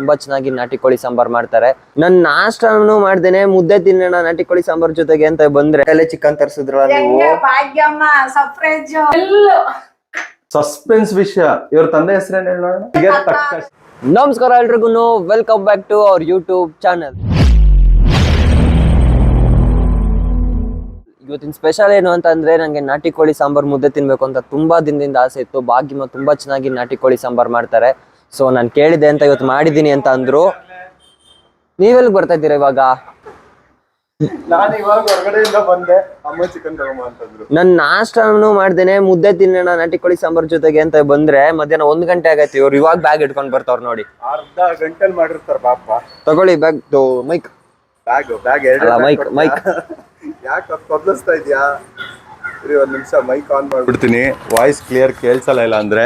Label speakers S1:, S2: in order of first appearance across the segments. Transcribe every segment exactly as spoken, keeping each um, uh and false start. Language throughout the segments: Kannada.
S1: ತುಂಬಾ ಚೆನ್ನಾಗಿ ನಾಟಿ ಕೋಳಿ ಸಾಂಬಾರ್ ಮಾಡ್ತಾರೆ. ನನ್ ನಾಷ್ಟನು ಮಾಡ್ದೇನೆ ಮುದ್ದೆ ತಿನ್ನೋಣ ನಾಟಿ ಕೋಳಿ ಸಾಂಬಾರ್ ಜೊತೆಗೆ ಅಂತ ಬಂದ್ರೆ ತಲೆ ಚಿಕನ್ ತರಿಸಿದ್ರಲ್ಲ ನೀವು.
S2: ಸಸ್ಪೆನ್ಸ್ ವಿಷಯ. ಇವ್ರ ತಂದೆ ಹೆಸರೇನು ಹೇಳೋಣ.
S1: ನಮಸ್ಕಾರ ಎಲ್ರಿಗೂ, welcome back to our YouTube channel. ಇವತ್ತಿನ ಸ್ಪೆಷಲ್ ಏನು ಅಂತ ಅಂದ್ರೆ, ನಂಗೆ ನಾಟಿ ಕೋಳಿ ಸಾಂಬಾರ್ ಮುದ್ದೆ ತಿನ್ಬೇಕು ಅಂತ ತುಂಬಾ ದಿನದಿಂದ ಆಸೆ ಇತ್ತು. ಭಾಗ್ಯಮ್ಮ ತುಂಬಾ ಚೆನ್ನಾಗಿ ನಾಟಿ ಕೋಳಿ ಸಾಂಬಾರ್ ಮಾಡ್ತಾರೆ. ಸೊ ನಾನು ಕೇಳಿದೆ ಅಂತ ಇವತ್ತು ಮಾಡಿದೀನಿ ಅಂತ ಅಂದ್ರು. ನೀವೆಲ್ಲಿ ಬರ್ತಾ ಇದ್ದೀರಾ ಇವಾಗ?
S2: ನಾನು ಇವಾಗ ಹೊರಗಡೆಯಿಂದ ಬಂದೆ, ಅಮ್ಮ ಚಿಕನ್ ತಗೊಂಬ ಅಂತಂದ್ರು.
S1: ನನ್ ನಾಷ್ಟನು ಮಾಡ್ದೇನೆ ಮುದ್ದೆ ತಿನ್ನೋಣ ನಾಟಿ ಕೋಳಿ ಸಾಂಬಾರ್ ಜೊತೆಗೆ ಅಂತ ಬಂದ್ರೆ ಮಧ್ಯಾಹ್ನ ಒಂದ್ ಗಂಟೆ ಆಗೈತಿ. ಇವ್ರು ಇವಾಗ ಬ್ಯಾಗ್ ಇಟ್ಕೊಂಡ್ ಬರ್ತಾವ್ರ ನೋಡಿ.
S2: ಅರ್ಧ ಗಂಟೆಲ್ ಮಾಡಿರ್ತಾರ ಪಾಪ.
S1: ತಗೊಳ್ಳಿ ಬ್ಯಾಗ್. ಮೈಕ್
S2: ಬ್ಯಾಗ್ ಬ್ಯಾಗ್ ಎರಡು
S1: ಮೈಕ್ ಮೈಕ್
S2: ಯಾಕೆ ಕೊದ್ಲಿಸ್ತಾ ಇದ್ಯಾ? ಇರಿ ಒಂದ್ ನಿಮಿಷ ಮೈಕ್ ಆನ್ ಮಾಡ್ಬಿಡ್ತೀನಿ. ವಾಯ್ಸ್ ಕ್ಲಿಯರ್ ಕೇಳ್ಸಲ್ಲ ಇಲ್ಲ ಅಂದ್ರೆ.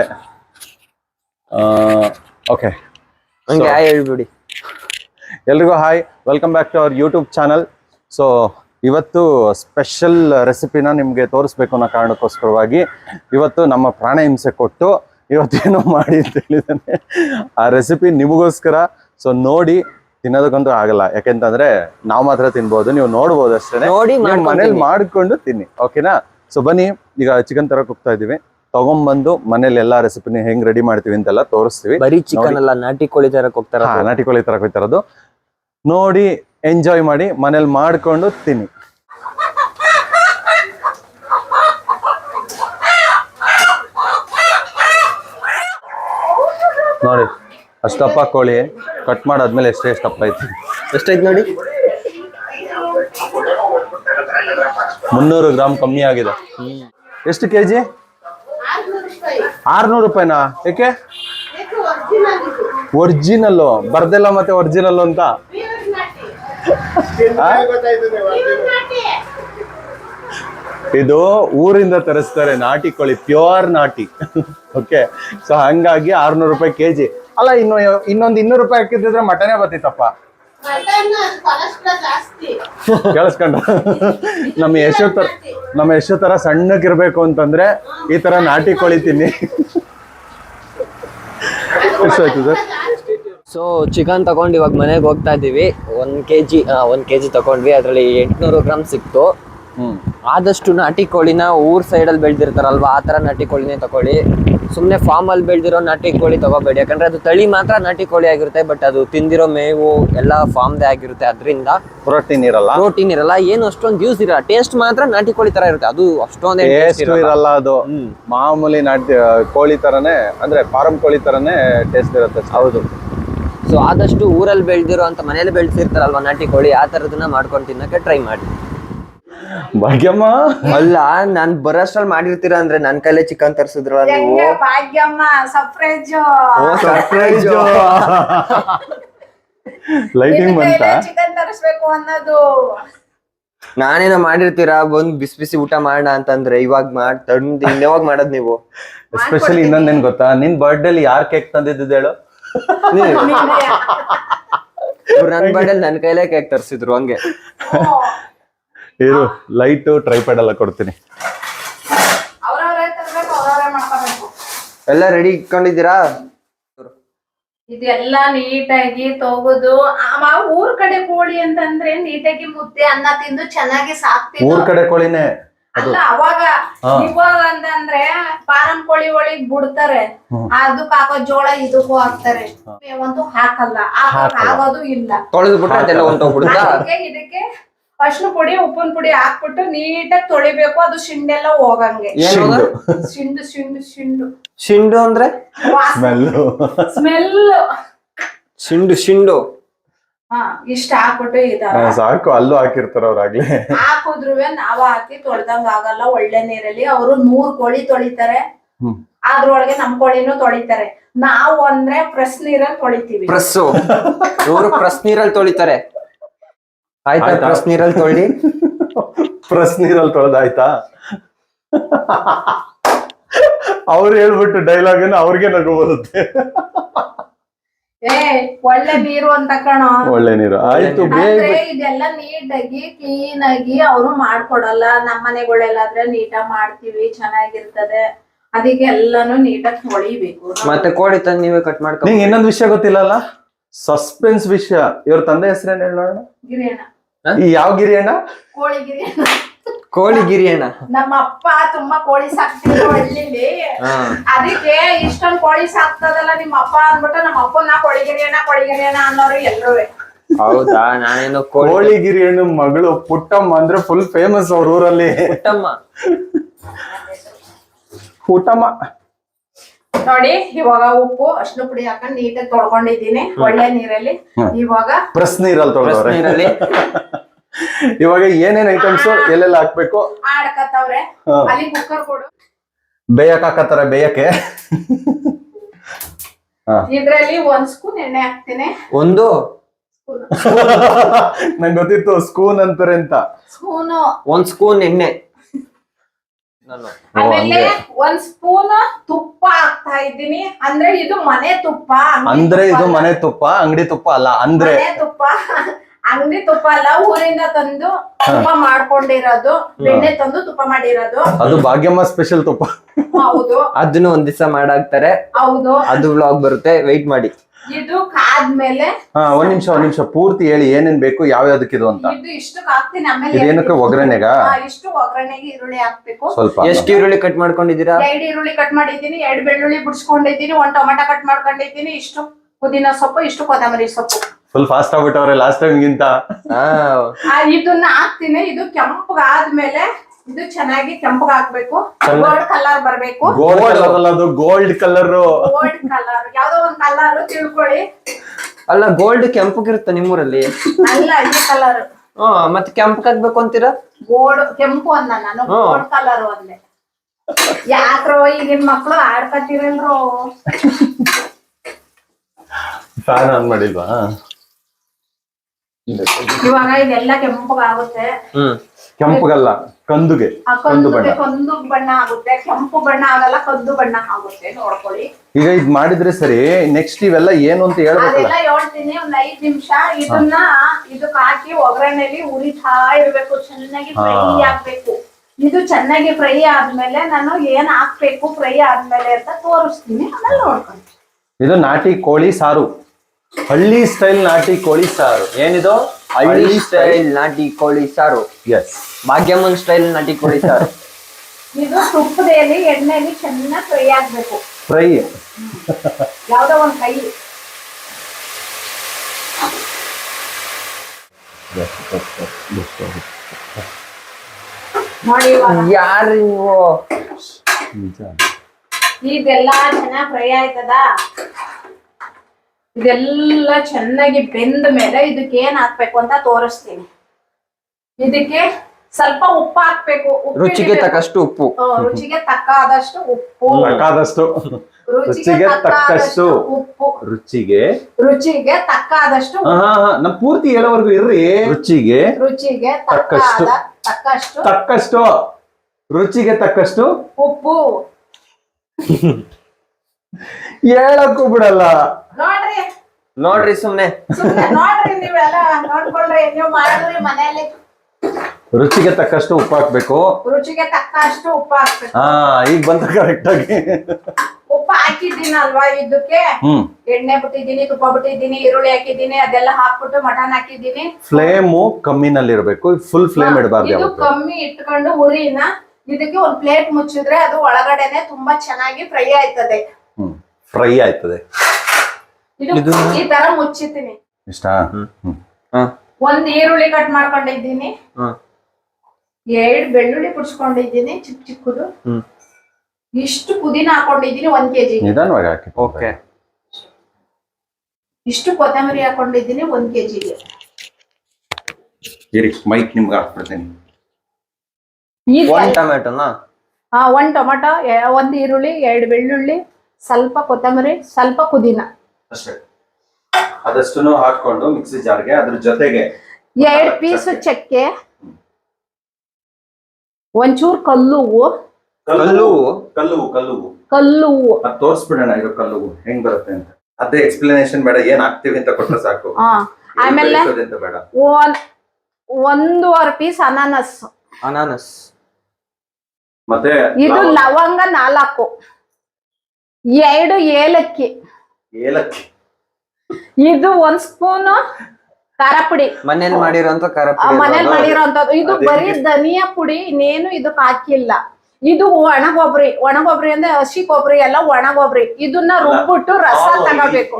S2: ಓಕೆ,
S1: ಹಂಗೆ ಹೇಳ್ಬಿಡಿ.
S2: ಎಲ್ರಿಗೂ hi, welcome back to our YouTube channel. So ಇವತ್ತು ಸ್ಪೆಷಲ್ ರೆಸಿಪಿನ ನಿಮಗೆ ತೋರಿಸ್ಬೇಕು ಅನ್ನೋ ಕಾರಣಕ್ಕೋಸ್ಕರವಾಗಿ ಇವತ್ತು ನಮ್ಮ ಪ್ರಾಣ ಹಿಂಸೆ ಕೊಟ್ಟು ಇವತ್ತೇನೋ ಮಾಡಿ ಅಂತ ಹೇಳಿದ್ದಾನೆ. ಆ ರೆಸಿಪಿ ನಿಮಗೋಸ್ಕರ. ಸೊ ನೋಡಿ, ತಿನ್ನೋದಕ್ಕಂತೂ ಆಗಲ್ಲ, ಯಾಕೆಂತಂದ್ರೆ ನಾವು ಮಾತ್ರ ತಿನ್ಬೋದು, ನೀವು ನೋಡ್ಬೋದು ಅಷ್ಟೇ. ಮನೇಲಿ ಮಾಡ್ಕೊಂಡು ತಿನ್ನಿ, ಓಕೆನಾ? ಸೊ ಬನ್ನಿ, ಈಗ ಚಿಕನ್ ತರಕ್ ಹೋಗ್ತಾ ಇದೀವಿ. ತಗೊಂಡ್ಬಂದು ಮನೇಲಿ ಎಲ್ಲಾ ರೆಸಿಪಿನ ಹೆಂಗ್ ರೆಡಿ ಮಾಡ್ತೀವಿ ಅಂತೆಲ್ಲ ತೋರಿಸ್ತೀವಿ.
S1: ಬರೀ ಚಿಕನ್ ಅಲ್ಲ, ನಾಟಿ ಕೋಳಿ ತರಕ್ ಹೋಗ್ತಾರ.
S2: ನಾಟಿ ಕೋಳಿ ತರಕ್ ಹೋಗ್ತಾರದು. ನೋಡಿ, ಎಂಜಾಯ್ ಮಾಡಿ, ಮನೇಲಿ ಮಾಡ್ಕೊಂಡು ತಿನ್ನಿ. ನೋಡಿ, ಅಷ್ಟಪ್ಪ ಕೋಳಿ ಕಟ್ ಮಾಡಾದ್ಮೇಲೆ ಎಷ್ಟೇ ಎಷ್ಟಪ್ಪ ಐತಿ.
S1: ಎಷ್ಟೈತಿ ನೋಡಿ,
S2: ಮುನ್ನೂರು ಗ್ರಾಮ್ ಕಮ್ಮಿ ಆಗಿದೆ. ಎಷ್ಟು ಕೆಜಿ? ಆರ್ನೂರು ರೂಪಾಯಿನಾ? ಯಾಕೆ? ಒರಿಜಿನಲ್ಲು ಬರ್ದಿಲ್ಲ ಮತ್ತೆ ಒರಿಜಿನಲ್ ಅಂತ. ಇದು ಊರಿಂದ ತರಿಸ್ತಾರೆ ನಾಟಿ ಕೋಳಿ, ಪ್ಯೂರ್ ನಾಟಿ. ಓಕೆ, ಸೊ ಹಂಗಾಗಿ ಆರ್ನೂರು ರೂಪಾಯಿ ಕೆಜಿ. ಅಲ್ಲ, ಇನ್ನು ಇನ್ನೊಂದು ಇನ್ನೂರು ರೂಪಾಯಿ ಹಾಕಿದ್ರೆ ಮಟನೇ ಬರ್ತಿತ್ತಪ್ಪ. ಕೇಳಿಸ್ಕೊಂಡ? ನಮ್ಮ ಯಶೋ ತರ ನಮ್ಮ ಯಶೋ ತರ ಸಣ್ಣಗಿರ್ಬೇಕು ಅಂತಂದ್ರೆ ಈ ತರ ನಾಟಿ ಕೋಳಿ ತಿನ್ನಿ. ಎಷ್ಟಾಯ್ತು ಸರ್?
S1: ಸೊ ಚಿಕನ್ ತಗೊಂಡು ಇವಾಗ ಮನೆಗೆ ಹೋಗ್ತಾ ಇದೀವಿ. ಒಂದ್ ಕೆಜಿ ಒಂದ್ ಕೆಜಿ ತಗೊಂಡ್ವಿ. ಅದ್ರಲ್ಲಿ ಎಂಟ್ನೂರು ಗ್ರಾಮ್ ಸಿಕ್ತು.
S2: ಹ್ಮ್
S1: ಆದಷ್ಟು ನಾಟಿ ಕೋಳಿನ ಊರ್ ಸೈಡ್ ಅಲ್ಲಿ ಬೆಳ್ದಿರ್ತಾರಲ್ವಾ, ಆ ತರ ನಾಟಿ ಕೋಳಿನೇ ತಗೊಳ್ಳಿ. ಸುಮ್ನೆ ಫಾರ್ಮ್ ಅಲ್ಲಿ ಬೆಳ್ದಿರೋ ನಾಟಿ ಕೋಳಿ ತಗೋಬೇಡಿ, ಯಾಕಂದ್ರೆ ಅದು ತಳಿ ಮಾತ್ರ ನಾಟಿ ಕೋಳಿ ಆಗಿರುತ್ತೆ, ಬಟ್ ಅದು ತಿಂದಿರೋ ಮೇವು ಎಲ್ಲ ಫಾರ್ಮ್ದೇ ಆಗಿರುತ್ತೆ. ಅದರಿಂದ
S2: ಪ್ರೋಟೀನ್ ಇರಲ್ಲ,
S1: ಪ್ರೋಟೀನ್ ಇರಲ್ಲ, ಏನು ಅಷ್ಟೊಂದು ಯೂಸ್ ಇರಲ್ಲ. ಟೇಸ್ಟ್ ಮಾತ್ರ ನಾಟಿ ಕೋಳಿ ತರ ಇರುತ್ತೆ, ಅದು ಅಷ್ಟೊಂದೇ
S2: ಟೇಸ್ಟ್ ಇರಲ್ಲ. ಅದು ಮಾಮೂಲಿ ನಾಟಿ ಕೋಳಿ ತರನೇ, ಅಂದ್ರೆ ಫಾರಂ ಕೋಳಿ ತರನೇ ಟೇಸ್ಟ್ ಇರುತ್ತೆ.
S1: ಹೌದು. ಸೊ ಆದಷ್ಟು ಊರಲ್ಲಿ ಬೆಳ್ದಿರೋ ಅಂತ ಮನೇಲಿ ಬೆಳ್ಸಿರ್ತಾರಲ್ವಾ ನಾಟಿ ಕೋಳಿ, ಆ ತರದನ್ನ ಮಾಡ್ಕೊಂಡು ತಿನ್ನಕ್ಕೆ ಟ್ರೈ ಮಾಡಿ.
S2: ಭಾಗ್ಯಮ್ಮ
S1: ಅಲ್ಲ, ನಾನ್ ಬರೋಷ್ಟ್ರಲ್ಲಿ ಮಾಡಿರ್ತೀರಾ ಅಂದ್ರೆ ನನ್ ಕೈಲೇ ಚಿಕನ್ ತರಿಸಿದ್ರಲ್ಲ ನೀವು.
S3: ಭಾಗ್ಯಮ್ಮ ಸರ್ಪ್ರೈಸ್.
S1: ಸರ್ಪ್ರೈಸ್.
S2: ಲೈಟಿಂಗ್ ಬಂತ
S3: ಚಿಕನ್ ತರಿಸ್ಬೇಕು ಅನ್ನೋದು.
S1: ನಾನೇನೋ ಮಾಡಿರ್ತೀರಾ ಬಂದ್ ಬಿಸಿ ಬಿಸಿ ಊಟ ಮಾಡೋಣ ಅಂತಂದ್ರೆ ಇವಾಗ ಮಾಡ್ ತಂದು ಯಾವಾಗ ಮಾಡೋದ್ ನೀವು?
S2: ಎಸ್ಪೆಷಲಿ ಇನ್ನೊಂದೇನ್ ಗೊತ್ತಾ, ನಿನ್ ಬರ್ಡೇಲಿ ಯಾರ್ ಕೇಕ್ ತಂದಿದ್ದು ಹೇಳು?
S1: ನನ್ ಬರ್ಡೇ ನನ್ ಕೈಲೇ ಕೇಕ್ ತರಿಸಿದ್ರು. ಹಂಗೆ
S2: ಇರು, ಲೈಟ್ ಟ್ರೈಪ್ಯಾಡ್ ಎಲ್ಲ ಕೊಡ್ತೀನಿ.
S1: ಎಲ್ಲ ರೆಡಿ ಇಟ್ಕೊಂಡಿದ್ದೀರಾ?
S3: ಇದೆಲ್ಲ ನೀಟಾಗಿ ತಗೋದು. ಊರ್ ಕಡೆ ಕೋಳಿ ಅಂತಂದ್ರೆ ನೀಟಾಗಿ ಮುದ್ದೆ ಅನ್ನ ತಿಂದು ಚೆನ್ನಾಗಿ ಸಾಕ್ತಿದ್ರು.
S2: ಊರ್ ಕಡೆ ಕೋಳಿನೇ
S3: ಅಲ್ಲ ಅವಾಗ. ಇವಾಗ ಅಂತಂದ್ರೆ ಫಾರಂ ಕೋಳಿ ಒಳಗ್ ಬಿಡ್ತಾರೆ, ಅದಕ್ ಹಾಕೋ ಜೋಳ ಇದಕ್ಕೂ ಹಾಕ್ತಾರೆ, ಒಂದು ಹಾಕಲ್ಲ, ಆಗೋದು ಇಲ್ಲ.
S1: ತೊಳೆದು ಬಿಟ್ರೆ ಅದೆಲ್ಲ ಹೊಂಟೋಗ್ಬಿಡುತ್ತಾ?
S3: ಇದಕ್ಕೆ ಅರ್ಶಿನ ಪುಡಿ ಉಪ್ಪಿನ ಪುಡಿ ಹಾಕ್ಬಿಟ್ಟು ನೀಟಾಗಿ ತೊಳಿಬೇಕು, ಅದು ಶಿಂಡೆಲ್ಲ ಹೋಗಂಗೆ. ಶಿಂಡು ಶಿಂಡು ಶಿಂಡು
S1: ಶಿಂಡು ಅಂದ್ರೆ
S3: ಸ್ಮೆಲ್.
S1: ಶಿಂಡು ಶಿಂಡು
S3: ಹಾ, ಇಷ್ಟ ಹಾಕ್ಬಿಟ್ಟು ಇದಾರ
S2: ಸಾಕು. ಅಲ್ಲೂ ಹಾಕಿರ್ತಾರ ಅವ್ರಾಗ್ಲೇ.
S3: ಹಾಕುದ್ರುವೆ ನಾವ್ ಹಾಕಿ ತೊಳ್ದಂಗ ಆಗಲ್ಲ. ಒಳ್ಳೆ ನೀರಲ್ಲಿ ಅವರು ನೂರ್ ಕೋಳಿ ತೊಳಿತಾರೆ, ಅದ್ರೊಳಗೆ ನಮ್ ಕೋಳಿನೂ ತೊಳಿತಾರೆ. ನಾವು ಅಂದ್ರೆ ಪ್ರೆಸ್ ನೀರಲ್ಲಿ ತೊಳಿತೀವಿ.
S1: ಪ್ರೆಸ್ ಇವರು ಪ್ರೆಸ್ ನೀರಲ್ಲಿ ತೊಳಿತಾರೆ. ಆಯ್ತಾ? ಪ್ರೆಸ್ ನೀರಲ್ಲಿ ತೊಳಿ.
S2: ಪ್ರೆಸ್ ನೀರಲ್ಲಿ ತೊಳೆದಾಯ್ತಾ? ಅವ್ರು ಹೇಳ್ಬಿಟ್ಟು ಡೈಲಾಗ್ ಅವ್ರಿಗೆ ನಗು ಬರುತ್ತೆ.
S3: ಏ ಒಳ್ಳೆ ನೀರು ಅಂತ ಕಣೋ.
S2: ಒಳ್ಳೆ ನೀರು ಆಯ್ತು.
S3: ಇದೆಲ್ಲ ನೀಟಾಗಿ ಕ್ಲೀನ್ ಆಗಿ ಅವರು ಮಾಡ್ಕೊಡಲ್ಲ. ನಮ್ಮ ಮನೆಗಳೆಲ್ಲಾದ್ರೆ ನೀಟಾಗಿ ಮಾಡ್ತೀವಿ, ಚೆನ್ನಾಗಿರ್ತದೆ. ಅದಕ್ಕೆ ಎಲ್ಲಾನು ನೀಟಾಗಿ ತೊಳಿಬೇಕು.
S1: ಮತ್ತೆ ಕೋಳಿ ತಂದು ನೀವೇ ಕಟ್ ಮಾಡ್ಕೊ.
S2: ನಿಂಗೆ ಇನ್ನೊಂದು ವಿಷಯ ಗೊತ್ತಿಲ್ಲಲ್ಲ, ಸಸ್ಪೆನ್ಸ್ ವಿಷಯ. ಇವ್ರ ತಂದೆ ಹೆಸರೇನು ಹೇಳಿ ನೋಡೋಣ.
S3: ಗಿರಿಯಣ್ಣ.
S2: ಈ ಯಾವ ಗಿರಿಯಣ್ಣ?
S3: ಕೋಳಿ ಗಿರಿಯಣ್ಣ.
S1: ಕೋಳಿ ಗಿರಿಯಣ್ಣ.
S3: ನಮ್ಮ ಅಪ್ಪ ತುಂಬಾ ಕೋಳಿ ಸಾಕ್ತಿದ್ರು ಹಳ್ಳಿಲಿ. ಅದಕ್ಕೆ ಇಷ್ಟೊಂದ್ ಕೋಳಿ ಸಾಕ್ತದಲ್ಲ ನಿಮ್ಮ ಅಪ್ಪ ಅಂದ್ಬಿಟ್ಟು ನಮ್ಮ ಅಪ್ಪ ನಾ ಕೋಳಿ ಗಿರಿಯಣ್ಣ ಕೋಳಿ ಗಿರಿಯಣ್ಣ ಅನ್ನೋರು ಎಲ್ರೂ.
S1: ಹೌದಾ? ನಾನೇನು
S2: ಕೋಳಿ ಗಿರಿಯಣ್ಣ ಮಗಳು ಪುಟ್ಟಮ್ಮ ಅಂದ್ರೆ ಫುಲ್ ಫೇಮಸ್ ಅವ್ರ ಊರಲ್ಲಿ.
S1: ಪುಟ್ಟಮ್ಮ.
S2: ಪುಟ್ಟಮ್ಮ
S3: ನೋಡಿ ಇವಾಗ ಉಪ್ಪು ಅರ್ಶಿನ ಪುಡಿ ಹಾಕೊಂಡು ನೀಟಾಗಿ ತೊಳ್ಕೊಂಡಿದ್ದೀನಿ ಒಳ್ಳೆ ನೀರಲ್ಲಿ. ಇವಾಗ
S2: ಪ್ರೆಸ್ ನೀರಲ್ಲಿ ತೊಳೆದವ್ರೆ.
S1: ನೀರಲ್ಲಿ
S2: ಇವಾಗ ಏನೇನ್ ಐಟಮ್ಸ್ ಎಲ್ಲೆಲ್ಲ ಹಾಕ್ಬೇಕು
S3: ಆಡ್ಕತ್ತವ್ರೆ. ಅಲ್ಲಿ ಕುಕ್ಕರ್ ಕೊಡು.
S2: ಬೇಯಕ್ ಹಾಕತ್ತಾರ ಬೇಯಕ್ಕೆ.
S3: ಇದ್ರಲ್ಲಿ ಒಂದ್ ಸ್ಪೂನ್ ಎಣ್ಣೆ ಹಾಕ್ತೀನಿ.
S1: ಒಂದು
S2: ನಂಗೆ ಗೊತ್ತಿತ್ತು ಸ್ಪೂನ್ ಅಂತಾರೆ ಅಂತ.
S3: ಸ್ಪೂನು
S1: ಒಂದ್ ಸ್ಪೂನ್ ಎಣ್ಣೆ. ನಾನು
S3: ಆಮೇಲೆ ಒಂದ್ ಸ್ಪೂನ್ ತುಪ್ಪ ಹಾಕ್ತಾ ಇದ್ದೀನಿ. ಅಂದ್ರೆ ಇದು ಮನೆ ತುಪ್ಪ.
S2: ಅಂದ್ರೆ ಇದು ಮನೆ ತುಪ್ಪ, ಅಂಗಡಿ ತುಪ್ಪ ಅಲ್ಲ. ಅಂದ್ರೆ
S3: ಮನೆ ತುಪ್ಪ, ಅಂಗಡಿ ತುಪ್ಪ ಅಲ್ಲ, ಊರಿಂದ ತಂದು ತುಪ್ಪ ಮಾಡ್ಕೊಂಡಿರೋದು, ಬೆಣ್ಣೆ ತಂದು ತುಪ್ಪ ಮಾಡಿರೋದು.
S2: ಅದು ಭಾಗ್ಯಮ್ಮ ಸ್ಪೆಷಲ್ ತುಪ್ಪ.
S3: ಹೌದು,
S1: ಅದನ್ನು ಒಂದ್ ದಿವಸ ಮಾಡಾಕ್ತಾರೆ.
S3: ಹೌದು,
S1: ಅದು ವ್ಲಾಗ್ ಬರುತ್ತೆ, ವೆಯ್ಟ್ ಮಾಡಿ.
S3: ಇದು ಕಾದ್ಮೇಲೆ
S2: ಹಾ ಒಂದ್ ನಿಮಿಷ ಒಂದ್ ನಿಮಿಷ ಪೂರ್ತಿ ಹೇಳಿ ಏನೇನ್ ಬೇಕು, ಯಾವ ಯಾವ್ದಕ್ಕಿದು ಅಂತ.
S3: ಇದು ಇಷ್ಟಕ್ಕೆ ಹಾಕ್ತೀನಿ. ಆಮೇಲೆ
S2: ಇದೇನಕ್ಕೆ ಒಗ್ಗರಣೆಗ?
S3: ಇಷ್ಟು ಒಗ್ಗರಣೆಗೆ ಈರುಳ್ಳಿ ಹಾಕ್ಬೇಕು.
S2: ಸ್ವಲ್ಪ
S1: ಎಷ್ಟು ಈರುಳ್ಳಿ ಕಟ್ ಮಾಡ್ಕೊಂಡಿದ್ದೀರಾ?
S3: ಎರಡು ಈರುಳ್ಳಿ ಕಟ್ ಮಾಡಿದ್ದೀನಿ, ಎರಡು ಬೆಳ್ಳುಳ್ಳಿ ಬಿಡಿಸ್ಕೊಂಡಿದ್ದೀನಿ, ಒಂದ್ ಟೊಮೆಟೊ ಕಟ್ ಮಾಡ್ಕೊಂಡಿದ್ದೀನಿ, ಇಷ್ಟು ಪುದೀನ ಸೊಪ್ಪು, ಇಷ್ಟು ಕೊತ್ತಂಬರಿ ಸೊಪ್ಪು.
S2: ಫುಲ್ ಫಾಸ್ಟ್ ಆಗ್ಬಿಟ್ಟವ್ರೆ ಲಾಸ್ಟ್ ಟೈಮ್ ಗಿಂತ.
S3: ಇದನ್ನ ಹಾಕ್ತೀನಿ. ಇದು ಕೆಂಪಗಾದ್ಮೇಲೆ ಇದು ಚೆನ್ನಾಗಿ ಕೆಂಪಗ ಹಾಕ್ಬೇಕು. ಗೋಲ್ಡ್ ಕಲರ್ ಬರ್ಬೇಕು.
S2: ಗೋಲ್ಡ್ ಕಲರ್ ಅಲ್ಲ, ಅದು ಗೋಲ್ಡ್ ಕಲರ್.
S3: ಗೋಲ್ಡ್ ಕಲರ್ ಯಾವ್ದೋ ಒಂದ್ ಕಲರ್ ತಿಳ್ಕೊಳ್ಳಿ.
S1: ಅಲ್ಲ, ಗೋಲ್ಡ್ ಕೆಂಪಗಿರುತ್ತೆ ನಿಮ್ಮೂರಲ್ಲಿ?
S3: ಅಲ್ಲ, ಈ ಕಲರ್.
S1: ಹಾ, ಮತ್ತೆ ಕೆಂಪಗಾಗ್ಬೇಕು ಅಂತೀರಾ?
S3: ಗೋಲ್ಡ್ ಕೆಂಪು ಅಂದ ನಾನು, ಗೋಲ್ಡ್ ಕಲರ್ ಅಂದೆ. ಯಾಕ್ರೋ ಈಗಿನ ಮಕ್ಳು ಆಡ್ಕತ್ತಿರಲ್ರೋ.
S2: ಫ್ಯಾನ್ ಆನ್ ಮಾಡಿಲ್ವಾ?
S3: ಇವಾಗ ಇದೆಲ್ಲ ಕೆಂಪಗಾಗುತ್ತೆ.
S1: ಹ್ಮ್,
S2: ಕೆಂಪಗಲ್ಲ, ಕಂದುಗೆ. ಕಂದು ಬಣ್ಣ.
S3: ಕಂದು ಬಣ್ಣ ಆಗುತ್ತೆ, ಕೆಂಪು ಬಣ್ಣ ಆಗಲ್ಲ, ಕಂದು ಬಣ್ಣ ಆಗುತ್ತೆ. ನೋಡ್ಕೊಳ್ಳಿ.
S2: ಈಗ ಇದ್ ಮಾಡಿದ್ರೆ ಸರಿ, ನೆಕ್ಸ್ಟ್ ಇವೆಲ್ಲ ಏನು ಅಂತ ಹೇಳ್ಬೇಕಲ್ಲ.
S3: ಅದೆಲ್ಲ ಹೇಳ್ತೀನಿ. ಒಂದ್ ಐದ್ ನಿಮಿಷ ಇದನ್ನ ಇದಕ್ ಹಾಕಿ ಒಗ್ಗರಣೆಲಿ ಉರಿತಾ ಇರ್ಬೇಕು. ಚೆನ್ನಾಗಿ ಫ್ರೈ ಆಗ್ಬೇಕು. ಇದು ಚೆನ್ನಾಗಿ ಫ್ರೈ ಆದ್ಮೇಲೆ ನಾನು ಏನ್ ಹಾಕ್ಬೇಕು ಫ್ರೈ ಆದ್ಮೇಲೆ ಅಂತ ತೋರಿಸ್ತೀನಿ. ಆಮೇಲೆ ನೋಡ್ಕೊಂಡು.
S2: ಇದು ನಾಟಿ ಕೋಳಿ ಸಾರು, ಹಳ್ಳಿ ಸ್ಟೈಲ್ ನಾಟಿ ಕೋಳಿ ಸಾರು. ಏನಿದು?
S1: ಹಳ್ಳಿ ಸ್ಟೈಲ್ ನಾಟಿ ಕೋಳಿ ಸಾರು.
S2: ಎಸ್,
S1: ಭಾಗ್ಯಮ್ಮನ್ ಸ್ಟೈಲ್ ನಾಟಿ ಕೋಳಿ ಸಾರು.
S3: ಇದು ತುಪ್ಪದಲ್ಲಿ ಎಣ್ಣೆಲಿ ಚೆನ್ನಾಗಿ ಫ್ರೈ ಆಗ್ಬೇಕು.
S2: ಫ್ರೈ
S3: ಯಾವ್ದೋ ಒಂದ್ ಕೈ ನೋಡಿ.
S1: ಯಾರು ನೀವು?
S3: ಇದೆಲ್ಲ ಚೆನ್ನಾಗಿ ಫ್ರೈ ಆಯ್ತದ. ಇದೆಲ್ಲ ಚೆನ್ನಾಗಿ ಬೆಂದ ಮೇಲೆ ಇದಕ್ಕೆ ಏನ್ ಹಾಕ್ಬೇಕು ಅಂತ ತೋರಿಸ್ತೀನಿ. ಇದಕ್ಕೆ ಸ್ವಲ್ಪ ಉಪ್ಪು ಹಾಕ್ಬೇಕು.
S1: ರುಚಿಗೆ ತಕ್ಕಷ್ಟು ಉಪ್ಪು.
S3: ರುಚಿಗೆ ತಕ್ಕಾದಷ್ಟು ಉಪ್ಪು.
S2: ತಕ್ಕಾದಷ್ಟು ರುಚಿಗೆ ತಕ್ಕಷ್ಟು
S3: ಉಪ್ಪು.
S2: ರುಚಿಗೆ
S3: ರುಚಿಗೆ ತಕ್ಕಾದಷ್ಟು
S2: ಹಾ ಹಾ ನಮ್ ಪೂರ್ತಿ ಹೇಳೋವರೆಗೂ ಇರ್ರಿ. ರುಚಿಗೆ
S3: ರುಚಿಗೆ
S2: ತಕ್ಕಷ್ಟು
S3: ತಕ್ಕಷ್ಟು
S2: ತಕ್ಕಷ್ಟು ರುಚಿಗೆ ತಕ್ಕಷ್ಟು
S3: ಉಪ್ಪು.
S2: ಹೇಳಕ್ಕೂ ಬಿಡಲ್ಲ.
S3: ನೋಡ್ರಿ
S1: ನೋಡ್ರಿ, ಸುಮ್ನೆ
S3: ಸುಮ್ನೆ ನೋಡ್ರಿ. ನೀವೆಲ್ಲ ನೋಡ್ಕೊಳ್ರಿ, ನೀವು ಮಾಡಿದ್ರಿ ಮನೆಯಲ್ಲಿ.
S2: ರುಚಿಗೆ ತಕ್ಕಷ್ಟು ಉಪ್ಪು ಹಾಕ್ಬೇಕು.
S3: ರುಚಿಗೆ ತಕ್ಕಷ್ಟು ಉಪ್ಪು ಹಾಕ್ಬೇಕು.
S2: ಹಾ, ಈಗ ಬಂತ ಕರೆಕ್ಟ್ ಆಗಿ.
S3: ಉಪ್ಪು ಹಾಕಿದ್ದೀನಲ್ವಾ ಇದಕ್ಕೆ.
S2: ಹ್ಮ್,
S3: ಎಣ್ಣೆ ಬಿಟ್ಟಿದ್ದೀನಿ, ತುಪ್ಪ ಬಿಟ್ಟಿದ್ದೀನಿ, ಈರುಳ್ಳಿ ಹಾಕಿದ್ದೀನಿ, ಅದೆಲ್ಲ ಹಾಕ್ಬಿಟ್ಟು ಮಟನ್ ಹಾಕಿದ್ದೀನಿ.
S2: ಫ್ಲೇಮು ಕಮ್ಮಿನಲ್ಲಿ ಇರಬೇಕು, ಫುಲ್ ಫ್ಲೇಮ್ ಇಡಬಾರ್ದು.
S3: ಇದು ಕಮ್ಮಿ ಇಟ್ಕೊಂಡು ಉರಿನ ಇದಕ್ಕೆ ಒಂದ್ ಪ್ಲೇಟ್ ಮುಚ್ಚಿದ್ರೆ ಅದು ಒಳಗಡೆನೆ ತುಂಬಾ ಚೆನ್ನಾಗಿ ಫ್ರೈ ಆಯ್ತದೆ.
S2: ಹ್ಮ್, ಫ್ರೈ ಆಯ್ತದೆ.
S3: ಇದು ಈ ತರ ಮುಚ್ಚಿತೀನಿ.
S2: ಇಷ್ಟ.
S3: ಒಂದ್ ಈರುಳ್ಳಿ ಕಟ್ ಮಾಡ್ಕೊಂಡಿದ್ದೀನಿ, ಎರಡ್ ಬೆಳ್ಳುಳ್ಳಿ ಕುಡ್ಸ್ಕೊಂಡಿದ್ದೀನಿ ಚಿಕ್ಕ ಚಿಕ್ಕದು, ಇಷ್ಟು ಪುದೀನ ಹಾಕೊಂಡಿದ್ದೀನಿ ಒಂದ್ ಕೆಜಿ.
S2: ನಿಧಾನವಾಗಿ ಹಾಕಿ.
S1: ಓಕೆ.
S3: ಇಷ್ಟು ಕೊತ್ತಂಬರಿ ಹಾಕೊಂಡಿದ್ದೀನಿ ಒಂದ್ ಕೆಜಿಗೆ.
S2: ಇರಿ, ಮೈಕ್ ನಿಮ್ಗೆ ಹಾಕ್ಬಿಡ್ತೀನಿ.
S1: ಒಂದ್ ಟೊಮೆಟೊನಾ?
S3: ಹಾ, ಒಂದ್ ಟೊಮೆಟೊ, ಒಂದ್ ಈರುಳ್ಳಿ, ಎರಡ್ ಬೆಳ್ಳುಳ್ಳಿ, ಸ್ವಲ್ಪ ಕೊತ್ತಂಬರಿ, ಸ್ವಲ್ಪ ಪುದೀನ
S2: ಅಷ್ಟೇ. ಅದಷ್ಟು ಹಾಕೊಂಡು ಮಿಕ್ಸಿ ಜಾರ್ಗೆ, ಅದ್ರ ಜೊತೆಗೆ
S3: ಎರಡ್ ಪೀಸ್ ಚಕ್ಕೆ, ಒಂಚೂರ್ ಕಲ್ಲು ಹೂವು.
S1: ಕಲ್ಲು
S2: ಕಲ್ಲು ಕಲ್ಲು
S3: ಕಲ್ಲು ಹೂವು
S2: ಅದ್ ತೋರ್ಸ್ಬಿಡೋಣ. ಇದು ಕಲ್ಲು ಹೆಂಗ್ ಬರುತ್ತೆ ಅಂತ. ಅದೇ ಎಕ್ಸ್ಪ್ಲನೇಷನ್ ಬೇಡ, ಏನ್ ಹಾಕ್ತಿವಿ ಅಂತ ಕೊಟ್ರೆ ಸಾಕು.
S3: ಆಮೇಲೆ
S2: ಬೇಡ.
S3: ಒಂದೂವರೆ ಪೀಸ್ ಅನಾನಸ್.
S1: ಅನಾನಸ್.
S2: ಮತ್ತೆ
S3: ಇದು ಲವಂಗ ನಾಲ್ಕು, ಎರಡು ಏಲಕ್ಕಿ.
S2: ಏಲಕ್ಕಿ
S3: ಇದು ಒಂದ್ ಸ್ಪೂನ್ ಖಾರ ಪುಡಿ,
S1: ಮನೇಲಿ ಮಾಡಿರೋಂತ ಖಾರ
S3: ಆ,
S1: ಪುಡಿ
S3: ಮನೇಲಿ
S1: ಅಲ್ವಾ ಅದು?
S3: ಮಾಡಿರೋಂಥದ್ದು. ಇದು ಬರೀ ಧನಿಯಾ ಪುಡಿ, ಇನ್ನೇನು ಇದಕ್ ಹಾಕಿಲ್ಲ. ಇದು ಒಣ ಕೊಬ್ಬರಿ, ಒಣ ಕೊಬ್ಬರಿ ಅಂದ್ರೆ ಹಸಿ ಕೊಬ್ಬರಿ ಎಲ್ಲ ಒಣ ಕೊಬ್ಬರಿ. ಇದನ್ನ ರುಬ್ಬಿಟ್ಟು ರಸ ತಗೋಬೇಕು.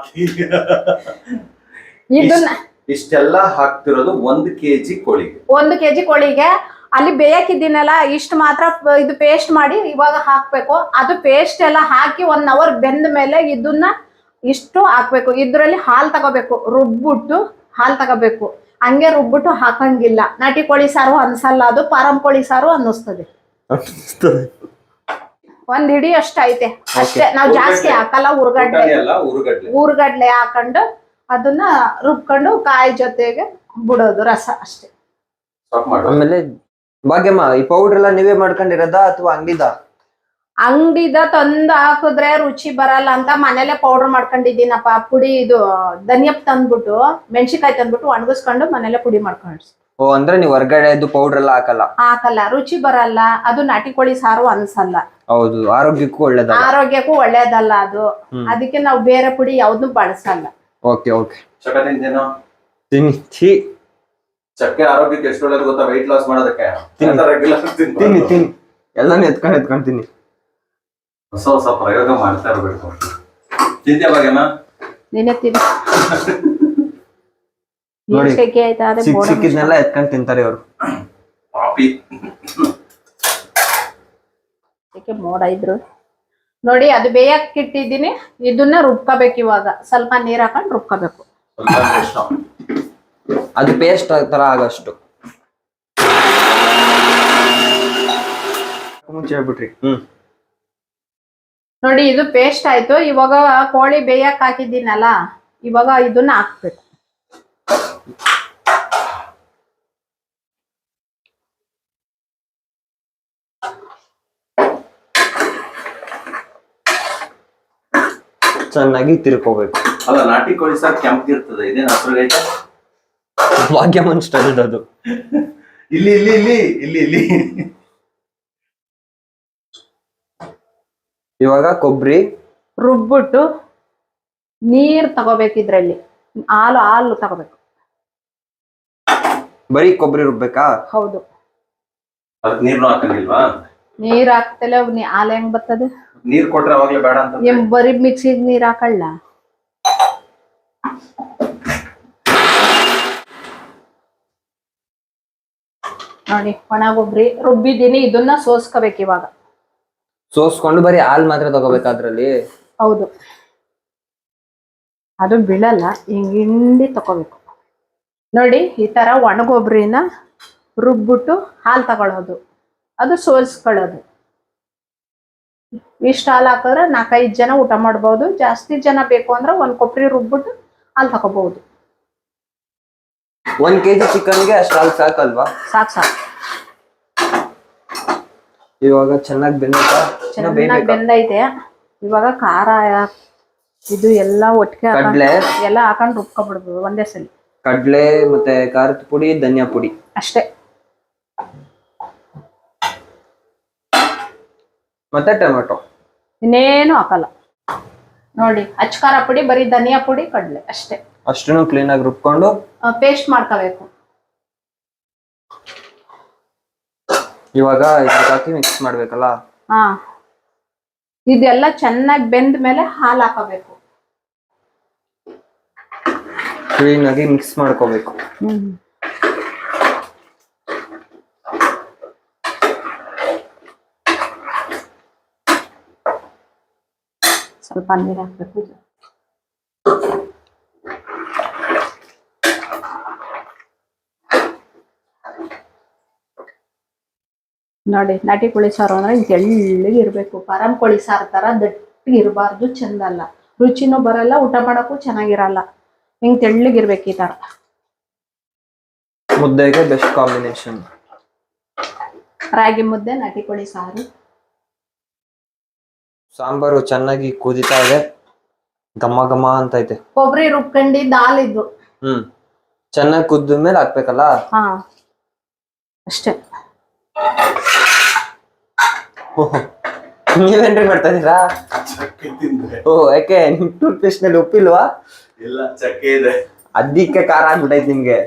S3: ಇದನ್ನ
S2: ಇಷ್ಟೆಲ್ಲ ಹಾಕ್ತಿರೋದು ಒಂದು ಕೆಜಿ ಕೋಳಿಗೆ.
S3: ಒಂದು ಕೆಜಿ ಕೋಳಿಗೆ ಅಲ್ಲಿ ಬೇಯಕ್ಕಿದ್ದೀನಲ್ಲ ಇಷ್ಟು ಮಾತ್ರ ಪ- ಇದು ಪೇಸ್ಟ್ ಮಾಡಿ ಇವಾಗ ಹಾಕ್ಬೇಕು. ಅದು ಪೇಸ್ಟ್ ಎಲ್ಲ ಹಾಕಿ ಒನ್ ಅವರ್ ಬೆಂದ ಮೇಲೆ ಇದನ್ನ ಇಷ್ಟು ಹಾಕ್ಬೇಕು. ಇದ್ರಲ್ಲಿ ಹಾಲ್ ತಗೋಬೇಕು, ರುಬ್ಬಿಟ್ಟು ಹಾಲ್ ತಗೋಬೇಕು. ಹಂಗೆ ರುಬ್ಬಿಟ್ಟು ಹಾಕಂಗಿಲ್ಲ. ನಾಟಿ ಕೋಳಿ ಸಾರು ಅನ್ಸಲ್ಲ, ಅದು ಪಾರಂ ಕೋಳಿ ಸಾರು ಅನ್ನಿಸ್ತದೆ. ಒಂದ್ ಹಿಡಿ ಅಷ್ಟ ಐತೆ ಅಷ್ಟೇ. ನಾವ್ ಜಾಸ್ತಿ ಹಾಕಲ್ಲ. ಉರ್ಗಡ್ಲೆ
S2: ಎಲ್ಲ ಉರುಗಡ್ಲೆ
S3: ಊರ್ಗಡ್ಲೆ ಹಾಕೊಂಡು ಅದನ್ನ ರುಬ್ಕೊಂಡು ಕಾಯಿ ಜೊತೆಗೆ ಬಿಡೋದು ರಸ ಅಷ್ಟೇ.
S2: ಸ್ಟಾಪ್ ಮಾಡು.
S1: ಆಮೇಲೆ ಭಾಗ್ಯಮ್ಮ, ಈ ಪೌಡರ್ ಎಲ್ಲ ನೀವೇ ಮಾಡ್ಕೊಂಡಿರೋದ ಅಥವಾ ಅಂಗಡಿದ?
S3: ಅಂಗಡಿದ ತಂದು ಹಾಕಿದ್ರೆ ರುಚಿ ಬರಲ್ಲ ಅಂತ ಮನೇಲೆ ಪೌಡರ್ ಮಾಡ್ಕೊಂಡಿದ್ದೀನಪ್ಪ. ಪುಡಿ ಇದು ಧನಿಯಾ ತಂದ್ಬಿಟ್ಟು ಮೆಣಸಿನ್ಕಾಯಿ ತಂದ್ಬಿಟ್ಟು ಒಣಗಿಸ್ಕೊಂಡು ಮನೇಲೆ ಪುಡಿ ಮಾಡ್ಕೊಂಡು
S1: ಓ, ಅಂದ್ರೆ ನೀವು ಹೊರ್ಗಡೆದು ಪೌಡರ್ ಎಲ್ಲ ಹಾಕಲ್ಲ?
S3: ಹಾಕಲ್ಲ, ರುಚಿ ಬರಲ್ಲ. ಅದು ನಾಟಿ ಕೋಳಿ ಸಾರು ಅನ್ಸಲ್ಲ.
S1: ಹೌದು, ಆರೋಗ್ಯಕ್ಕೂ ಒಳ್ಳೇದಲ್ಲ.
S3: ಆರೋಗ್ಯಕ್ಕೂ ಒಳ್ಳೇದಲ್ಲ ಅದು. ಅದಕ್ಕೆ ನಾವು ಬೇರೆ ಪುಡಿ ಯಾವ್ದು ಬಳಸಲ್ಲ.
S1: Okay okay.
S2: ಚಕ್ಕ ತಿಂತೇನೋ?
S1: ತಿನ್ನಿ. ಛೀ,
S2: ಚಕ್ಕೆ ಆರೋಗ್ಯಕ್ಕೆ ಎಷ್ಟು ಒಳ್ಳೇದು ಗೊತ್ತಾ? ವೆಯ್ಟ್ ಲಾಸ್ ಮಾಡೋದಕ್ಕೆ. ರೆಗ್ಯುಲರ್
S1: ತಿನ್ನಿ ತಿನ್ನಿ, ಎಲ್ಲಾನು ಎತ್ಕೊಂಡು ಎತ್ಕೊಂಡು ತಿನ್ನಿ.
S2: ಹೊಸ ಹೊಸ ಪ್ರಯೋಗ ಮಾಡ್ತಾ ಇರ್ಬೇಕು. ತಿಂತ್ಯಾ ಭಾಗ್ಯಮ್ಮ?
S3: ನೀನೇ ತಿನ್ನು.
S1: ನೋಡಿ,
S3: ಶೆಕೆ ಆಯ್ತಾ? ಅದೇ
S1: ಸಿಕ್
S3: ಬೋಡ
S1: ಸಿಕ್ಕಿದ್ನೆಲ್ಲ ಎತ್ಕೊಂಡು ತಿಂತಾರೆ ಇವರು.
S2: ಪಾಪಿ.
S3: ಶೆಕೆ ಮೋಡ ಇದ್ರು ನೋಡಿ. ಅದು ಬೇಯಕ್ ಇಟ್ಟಿದ್ದೀನಿ. ಇದನ್ನ ರುಬ್ಕೋಬೇಕು. ಇವಾಗ ಸ್ವಲ್ಪ ನೀರ್ ಹಾಕೊಂಡು ರುಬ್ಕೋಬೇಕು.
S2: ಸ್ವಲ್ಪ ಇಷ್ಟ.
S1: ಅದು ಪೇಸ್ಟ್ ತರ ಆಗಷ್ಟು ಮುಂಚೆ ಹೇಳ್ಬಿಟ್ರಿ. ಹ್ಮ್
S3: ನೋಡಿ, ಇದು ಪೇಸ್ಟ್ ಆಯ್ತು. ಇವಾಗ ಕೋಳಿ ಬೇಯಕ್ ಹಾಕಿದ್ದೀನಲ್ಲ, ಇವಾಗ ಇದನ್ನ ಹಾಕ್ಬೇಕು.
S1: ಚೆನ್ನಾಗಿ ತಿರ್ಕೋಬೇಕು.
S2: ಅಲ್ಲ, ನಾಟಿ ಕೋಳಿ ಸಾರು ಕೆಂಪಗಿರ್ತದೆ. ಇದೇನು ಹಸ್ರಾಗೈತೆ?
S1: ಭಾಗ್ಯಮನ್ ಸ್ಟೈಲ್ ಅದು.
S2: ಇಲ್ಲಿ ಇಲ್ಲಿ ಇಲ್ಲಿ ಇಲ್ಲಿ ಇಲ್ಲಿ
S1: ಇವಾಗ ಕೊಬ್ಬರಿ
S3: ರುಬ್ಬಿಟ್ಟು ನೀರ್ ತಗೋಬೇಕು. ಇದ್ರಲ್ಲಿ ಹಾಲು ಹಾಲು ತಗೋಬೇಕು.
S1: ಬರೀ ಕೊಬ್ಬರಿ ರುಬ್ಬೇಕಾ?
S3: ಹೌದು.
S2: ಅದಕ್ಕೆ ನೀರ್ನು ಹಾಕಂಗಿಲ್ವಾ?
S3: ನೀರ್ ಹಾಕ್ತಲೆ ಹಾಲು ಹೆಂಗ್ ಬರ್ತದೆ?
S2: ನೀರ್ ಕೊಟ್ರೆ ಅವಾಗ್ಲೇ ಬೇಡ ಅಂತ.
S3: ಏನ್ ಬರೀ ಮಿಕ್ಸಿಗೆ ನೀರ್ ಹಾಕಲ್ಲ? ನೋಡಿ, ಒಣ ಕೊಬ್ಬರಿ ರುಬ್ಬಿದ್ದೀನಿ. ಇದನ್ನ ಸೋಸ್ಕೋಬೇಕು ಇವಾಗ.
S1: ಸೋಸ್ಕೊಂಡು ಬರೀ ಹಾಲ್ ಮಾತ್ರ ತಗೋಬೇಕಾ ಅದ್ರಲ್ಲಿ?
S3: ಹೌದು, ಅದು ಬೀಳಲ್ಲ. ಹಿಂಗ್ ಹಿಂಡಿ ತಗೋಬೇಕು. ನೋಡಿ, ಈ ತರ ಒಣಗೊಬ್ಬರಿನ ರುಬ್ಬಿಟ್ಟು ಹಾಲು ತಗೊಳ್ಳೋದು, ಅದು ಸೋಸ್ಕೊಳ್ಳೋದು. ಇಷ್ಟ ಹಾಲು ಹಾಕಿದ್ರೆ ನಾಲ್ಕೈದು ಜನ ಊಟ ಮಾಡ್ಬೋದು. ಜಾಸ್ತಿ ಜನ ಬೇಕು ಅಂದ್ರೆ ಒಂದ್ ಕೊಬ್ಬರಿ ರುಬ್ಬಿಟ್ಟು ಹಾಲು ತಗೋಬಹುದು.
S1: ಒಂದ್ ಕೆಜಿ ಚಿಕನ್ಗೆ ಅಷ್ಟು ಹಾಲು ಸಾಕಲ್ವಾ?
S3: ಸಾಕು ಸಾಕು.
S1: ಇವಾಗ ಚೆನ್ನಾಗಿ ಬೆಂದೈತಾ? ಇನ್ನ
S3: ಚೆನ್ನಾಗಿ
S1: ಬೇಯ್ಬೇಕಾ?
S3: ಬೆಂದೈತೆ. ಇವಾಗ ಖಾರ ಇದು ಎಲ್ಲ ಒಟ್ಟಿಗೆ ಹಾಕೊಂಡು
S1: ಕಡ್ಲೆ?
S3: ಎಲ್ಲ ಹಾಕೊಂಡು ರುಬ್ಕೊಬಿಡ್ಬೋದು ಒಂದೇ ಸಲ.
S1: ಕಡ್ಲೆ ಮತ್ತೆ ಖಾರದ ಪುಡಿ, ಧನಿಯಾ ಪುಡಿ
S3: ಅಷ್ಟೇ.
S1: ಮತ್ತೆ ಟೊಮೆಟೊ.
S3: ಇನ್ನೇನು ಹಾಕಲ್ಲ. ನೋಡಿ, ಅಚ್ಚ ಖಾರ ಪುಡಿ, ಬರೀ ಧನಿಯಾ ಪುಡಿ, ಕಡ್ಲೆ ಅಷ್ಟೇ.
S1: ಅಷ್ಟನ್ನು ಕ್ಲೀನ್ ಆಗಿ ರುಬ್ಕೊಂಡು
S3: ಪೇಸ್ಟ್ ಮಾಡ್ಕೋಬೇಕು.
S1: ಇವಾಗ ಇದಕ್ಕೆ ಹಾಕಿ ಮಿಕ್ಸ್ ಮಾಡ್ಬೇಕಲ್ಲ?
S3: ಹಾ, ಇದೆಲ್ಲ ಚೆನ್ನಾಗಿ ಬೆಂದ ಮೇಲೆ ಹಾಲು ಹಾಕಬೇಕು.
S1: ಕ್ಲೀನ್ ಆಗಿ ಮಿಕ್ಸ್ ಮಾಡ್ಕೋಬೇಕು.
S3: ಹ್ಮ್ ಸ್ವಲ್ಪ ನೀರು ಹಾಕ್ಬೇಕು. ನೋಡಿ, ನಾಟಿ ಕೋಳಿ ಸಾರು ಅಂದ್ರೆ ತೆಳ್ಳಗೆ ಇರ್ಬೇಕು. ಪಾರಂ ಕೋಳಿ ಸಾರು ತರ ದಟ್ಟಿಗೆ ಇರಬಾರ್ದು, ಚಂದ ಅಲ್ಲ. ರುಚಿನೂ ಬರಲ್ಲ, ಊಟ ಮಾಡಕ್ಕೂ ಚೆನ್ನಾಗಿರಲ್ಲ. ಹಿಂಗ್ ತೆಳ್ಳಗಿರ್ಬೇಕು ಈ ತರ.
S1: ಮುದ್ದೆಗೆ ಬೆಸ್ಟ್ ಕಾಂಬಿನೇಷನ್.
S3: ರಾಗಿ ಮುದ್ದೆ, ನಾಟಿ ಕೋಳಿ ಸಾರು.
S1: ಸಾಂಬಾರು ಚೆನ್ನಾಗಿ ಕುದಿತಾ ಇದೆ, ಘಮ ಘಮ ಅಂತ ಐತೆ.
S3: ಕೊಬ್ಬರಿ ರುಬ್ಕೊಂಡಿ ದಾಲ್ ಇದು.
S1: ಹ್ಮ್ ಚೆನ್ನಾಗಿ ಕುದ್ದ ಮೇಲೆ ಹಾಕ್ಬೇಕಲ್ಲ?
S3: ಹಾ, ಅಷ್ಟೇ.
S1: ನೀವೇನ್ರಿ ಮಾಡ್ತಾ ಇದೀರಾ? ಓ, ಯಾಕೆ ನಿಮ್ ಟೂತ್ ಪೇಸ್ಟ್ ನಲ್ಲಿ ಉಪ್ಪಿಲ್ವಾ?
S2: ಇಲ್ಲ ಚಕ್ಕೆ ಇದೆ.
S1: ಅದಕ್ಕೆ ಖಾರ ಆಗ್ಬಿಟ್ಟೈತೆ ನಿಮ್ಗೆ.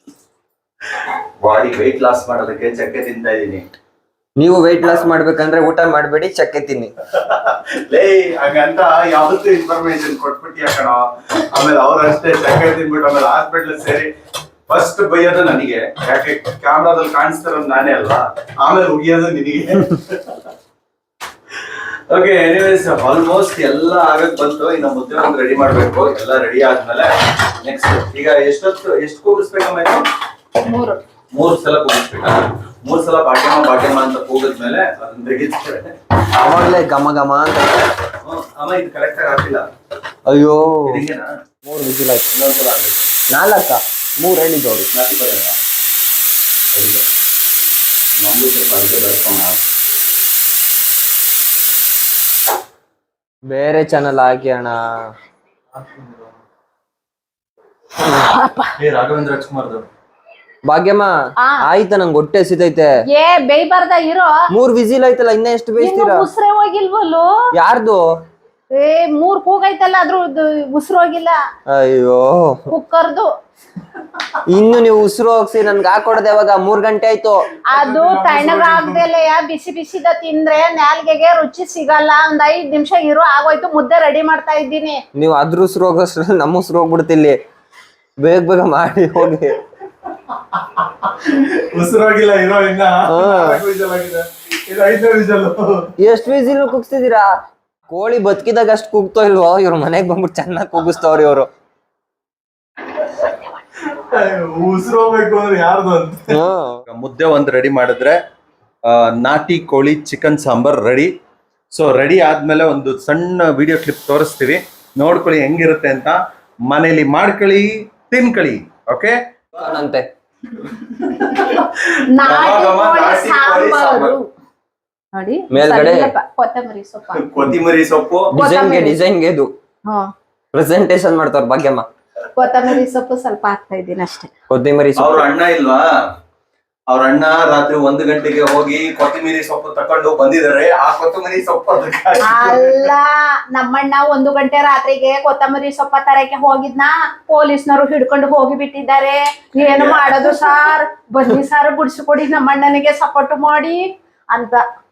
S2: ಬಾಡಿ ವೆಯ್ಟ್ ಲಾಸ್ ಮಾಡೋದಕ್ಕೆ ಚಕ್ಕೆ ತಿಂತಾ ಇದೀನಿ.
S1: ನೀವು ವೆಯ್ಟ್ ಲಾಸ್ ಮಾಡ್ಬೇಕಂದ್ರೆ ಊಟ ಮಾಡಬೇಡಿ, ಚಕ್ಕೆ ತಿನ್ನಿ.
S2: ಲೇ ಹಂಗಂತ ಯಾವತ್ತೂ ಇನ್ಫಾರ್ಮೇಶನ್ ಕೊಟ್ಬಿಟ್ಟಿಯ ಕಣ. ಆಮೇಲೆ ಅವ್ರಷ್ಟೇ ಚಕ್ಕೆ ತಿನ್ಬಿಟ್ಟು ಆಮೇಲೆ ಹಾಸ್ಪಿಟ್ಲ್ ಸೇರಿ ಫಸ್ಟ್ ಬೈಯೋದು ನನಗೆ, ಯಾಕೆ ಕ್ಯಾಮ್ರಾದಲ್ಲಿ ಕಾಣಿಸ್ತಿರೋದು ನಾನೇ ಅಲ್ವಾ, ಆಮೇಲೆ ಉಗಿಯೋದು ನಿನಗೆ. ಓಕೆ, ಎನಿವೇಸ್ ಆಲ್ಮೋಸ್ಟ್ ಎಲ್ಲ ಆಗಕ್ ಬಂತು. ಇನ್ನು ಮುದ್ದೆ ಒಂದು ರೆಡಿ ಮಾಡ್ಬೇಕು. ಎಲ್ಲ ರೆಡಿ ಆದ್ಮೇಲೆ ನೆಕ್ಸ್ಟ್ ಈಗ ಎಷ್ಟೊತ್ತು ಎಷ್ಟು ಕೂಗಿಸ್ಬೇಕಮ್ಮ ಇದು?
S3: ಮೂರು
S2: ಮೂರ್ ಸಲ ಕೂಗಿಸ್ಬೇಕಾ? ಮೂರ್ ಸಲ ಬಾಟ್ಯಮ್ಮ ಬಾಟ್ಯಮ್ಮ ಅಂತ ಕೂಗಿದ್ಮೇಲೆ ಅದನ್ನ ತೆಗಿತಾರೆ.
S1: ಅವಾಗ್ಲೇ ಘಮ ಘಮ ಅಂತ.
S2: ಹ್ಮ್, ಅಮ್ಮ ಇದು ಕರೆಕ್ಟ್ ಆಗಿ ಹಾಕಿಲ್ಲ.
S1: ಅಯ್ಯೋ,
S2: ಇದೀಗೇನಾ?
S1: ಮೂರು ವಿಜಿಲ್ ಆಯ್ತು.
S2: ಇನ್ನೊಂದ್ಸಲ ಆಗ್ಬೇಕು.
S1: ನಾಲ್ಕ ಮೂರು ಹೇಳಿದ್ದವ್ರು.
S2: ನಾಟಿ ಬರಲ್ಲ. ಹೌದು, ನಮ್ಗೂ ಸ್ವಲ್ಪ ಅರ್ಗೆ ಬರ್ಕೊಂಡು
S1: ಬೇರೆ ಚಾನಲ್ ಹಾಕಿ ಅಣ್ಣ.
S2: ಏ ರಾಘವೇಂದ್ರ ರಾಜ್ಕುಮಾರ್ದು
S1: ಭಾಗ್ಯಮ್ಮ
S3: ಆ.
S1: ಆಯ್ತಾ, ನಂಗೆ ಹೊಟ್ಟೆ ಹಸಿತೈತೆ.
S3: ಏ ಬೇಯ್ಬಾರ್ದ ಇರೋ.
S1: ಮೂರ್ ವಿಜಿಲ್ ಆಯ್ತಲ್ಲ, ಇನ್ನ ಎಷ್ಟು ಬೇಯಿಸ್ತೀರಾ?
S3: ಉಸ್ರೇ ಹೋಗಿಲ್ವಲ್ಲು?
S1: ಯಾರ್ದು?
S3: ಏ ಮೂರ್ ಕೂಗೈತಲ್ಲ, ಅದ್ರ ಉಸಿರು ಹೋಗಿಲ್ಲ.
S1: ಅಯ್ಯೋ,
S3: ಕುಕ್ಕರ್ದು.
S1: ಇನ್ನು ನೀವು ಉಸಿರು ಹೋಗ್ಸಿ ನನ್ಗೆ ಹಾಕೊಡದೆ ಯಾವಾಗ? ಮೂರ್ ಗಂಟೆ ಆಯ್ತು.
S3: ಅದು ತಣ್ಣಗಾಗ್ದಲೆ ಬಿಸಿ ಬಿಸಿದ ತಿಂದ್ರೆ ನಾಲ್ಗೆಗೆ ರುಚಿ ಸಿಗಲ್ಲ. ಒಂದ್ ಐದ್ ನಿಮಿಷ ಇರೋ, ಆಗೋಯ್ತು. ಮುದ್ದೆ ರೆಡಿ ಮಾಡ್ತಾ ಇದ್ದೀನಿ.
S1: ನೀವು ಅದ್ರ ಉಸಿರು ಹೋಗೋಷ್ಟ್ರಲ್ಲಿ ನಮ್ಮ ಉಸಿರು ಹೋಗ್ಬಿಡ್ತಿಲ್ಲಿ. ಬೇಗ ಬೇಗ ಮಾಡಿ ಹೋಗಿ.
S2: ಉಸಿರಾಗಿಲ್ಲ ಇರೋ ಇನ್ನ
S1: ಹಾ.
S2: ವಿಜಲ್ ಆಗಿದೆ. ಇದು ಐದನೇ ವಿಜಲ್.
S1: ಎಷ್ಟ್ ವಿಜಿಲ್ ಕುಗ್ಸ್ತಿದೀರಾ? ಕೋಳಿ ಬದುಕಿದಾಗ ಅಷ್ಟ್ ಕೂಗ್ತೋ ಇಲ್ವೋ? ಇವ್ರ ಮನೆಗ್ ಬಂದ್ಬಿಟ್ಟು ಚೆನ್ನಾಗಿ ಕೂಗಿಸ್ತವ್ರಿ ಇವ್ರು.
S2: ಉಸಿರು ಹೋಗ್ಬೇಕು ಅಂದ್ರೆ ಯಾರ್ದು ಅಂತ. ಮುದ್ದೆ ಒಂದ್ ರೆಡಿ ಮಾಡಿದ್ರೆ ಆ, ನಾಟಿ ಕೋಳಿ chicken sambar ready. So ready ಆದ್ಮೇಲೆ ಒಂದು ಸಣ್ಣ ವಿಡಿಯೋ ಕ್ಲಿಪ್ ತೋರಿಸ್ತೀವಿ, ನೋಡ್ಕೊಳ್ಳಿ ಹೆಂಗಿರುತ್ತೆ ಅಂತ. ಮನೇಲಿ ಮಾಡ್ಕೊಳ್ಳಿ, ತಿನ್ಕೊಳ್ಳಿ. ಓಕೆ
S1: ಅಂತೆ
S3: ನಾಟಿ
S2: ಘಮ
S3: ಕೋಳಿ
S2: ನಾಟಿ ಕೋಳಿ
S3: ಸಾಂಬಾರು
S2: ಸಾಂಬಾರು.
S3: ನೋಡಿ,
S1: ಮೇಲ್ಗಡೆ
S3: ಸ್ವಲ್ಪ ಕೊತ್ತಂಬರಿ ಸೊಪ್ಪ.
S2: ಕೊತ್ತಿಮರಿ ಸೊಪ್ಪು.
S1: ಡಿಸೈನ್ಗೆ ಡಿಸೈನ್ಗೆ ಇದು
S3: ಹ್ಮ್,
S1: ಪ್ರೆಸೆಂಟೇಶನ್ ಮಾಡ್ತಾರ ಭಾಗ್ಯಮ್ಮ.
S3: ಕೊತ್ತಂಬರಿ ಸೊಪ್ಪು ಸ್ವಲ್ಪ ಹಾಕ್ತಾ ಇದ್ದೀನಿ ಅಷ್ಟೇ.
S1: ಕೊತ್ತಿಮರಿ
S2: ಅವ್ರ ಅಣ್ಣ ಇಲ್ವಾ? ಅವ್ರ ಅಣ್ಣ ರಾತ್ರಿ ಒಂದು ಗಂಟೆಗೆ ಹೋಗಿ ಕೊತ್ತಿಮೀರಿ ಸೊಪ್ಪು ತಕೊಂಡು ಬಂದಿದ್ದಾರೆ. ಆ ಕೊತ್ತಂಬರಿ ಸೊಪ್ಪು ಅದಕ್ಕೆ ಹಾಕಿ-
S3: ಅಲ್ಲ, ನಮ್ಮಣ್ಣ ಒಂದು ಗಂಟೆ ರಾತ್ರಿಗೆ ಕೊತ್ತಂಬರಿ ಸೊಪ್ಪ ತರಕ್ಕೆ ಹೋಗಿದ್ನ, ಪೊಲೀಸ್ನವರು ಹಿಡ್ಕೊಂಡು ಹೋಗಿ ಬಿಟ್ಟಿದ್ದಾರೆ. ಏನು ಮಾಡೋದು ಸಾರ್, ಬನ್ನಿ ಸಾರ್ ಬಿಡಿಸ್ಕೊಡಿ, ನಮ್ಮಣ್ಣನಿಗೆ ಸಪೋರ್ಟ್ ಮಾಡಿ ಅಂತ.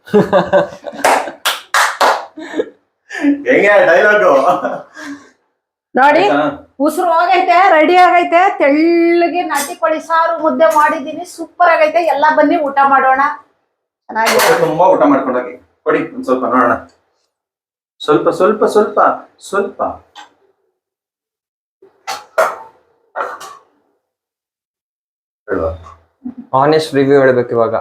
S2: ಹೆಂಗೆ ಡೈಲಾಗು
S3: ನೋಡಿ, ಉಸಿರು ಹೋಗೈತೆ, ರೆಡಿ ಆಗೈತೆ. ತೆಳ್ಳಗೆ ನಾಟಿ ಕೋಳಿ ಸಾರು ಮುದ್ದೆ ಮಾಡಿದೀನಿ, ಸೂಪರ್ ಆಗೈತೆ. ಎಲ್ಲಾ ಬನ್ನಿ ಊಟ ಮಾಡೋಣ. ಚೆನ್ನಾಗಿದೆ.
S2: ತುಂಬಾ ಊಟ ಮಾಡ್ಕೊಂಡೋಗಿ ಕೊಡಿ ಒಂದ್ ಸ್ವಲ್ಪ ನೋಡೋಣ. ಸ್ವಲ್ಪ ಸ್ವಲ್ಪ ಸ್ವಲ್ಪ ಸ್ವಲ್ಪ ಹೇಳುವ.
S1: ಆನೆಸ್ಟ್ ರಿವ್ಯೂ ಹೇಳ್ಬೇಕು ಇವಾಗ.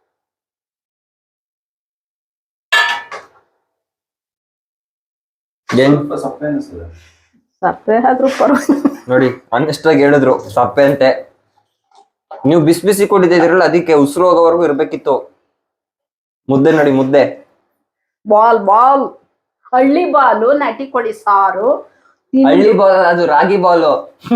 S1: ಏನ್
S2: ಸ್ವಲ್ಪ ಸಪ್ಪೆ ಅನಿಸ್ತದೆ.
S3: ಸಪ್ಪೆ ಆದ್ರೂ ಪರವಾಗಿಲ್ಲ.
S1: ನೋಡಿ, ಆನೆಸ್ಟ್ ಆಗಿ ಹೇಳಿದ್ರು ಸಪ್ಪೆ ಅಂತೆ. ನೀವು ಬಿಸಿ ಬಿಸಿ ಕೊಟ್ಟಿದ್ದೀರಲ್ಲ, ಅದಕ್ಕೆ ಉಸಿರು ಹೋಗೋವರೆಗೂ ಇರ್ಬೇಕಿತ್ತು. ಮುದ್ದೆ ನೋಡಿ, ಮುದ್ದೆ
S3: ಬಾಲ್ ಬಾಲ್ ಹಳ್ಳಿ ಬಾಲು, ನಾಟಿ ಕೋಳಿ ಸಾರು.
S1: ಹಳ್ಳಿ ಬಾಲ್, ಅದು ರಾಗಿ ಬಾಲು.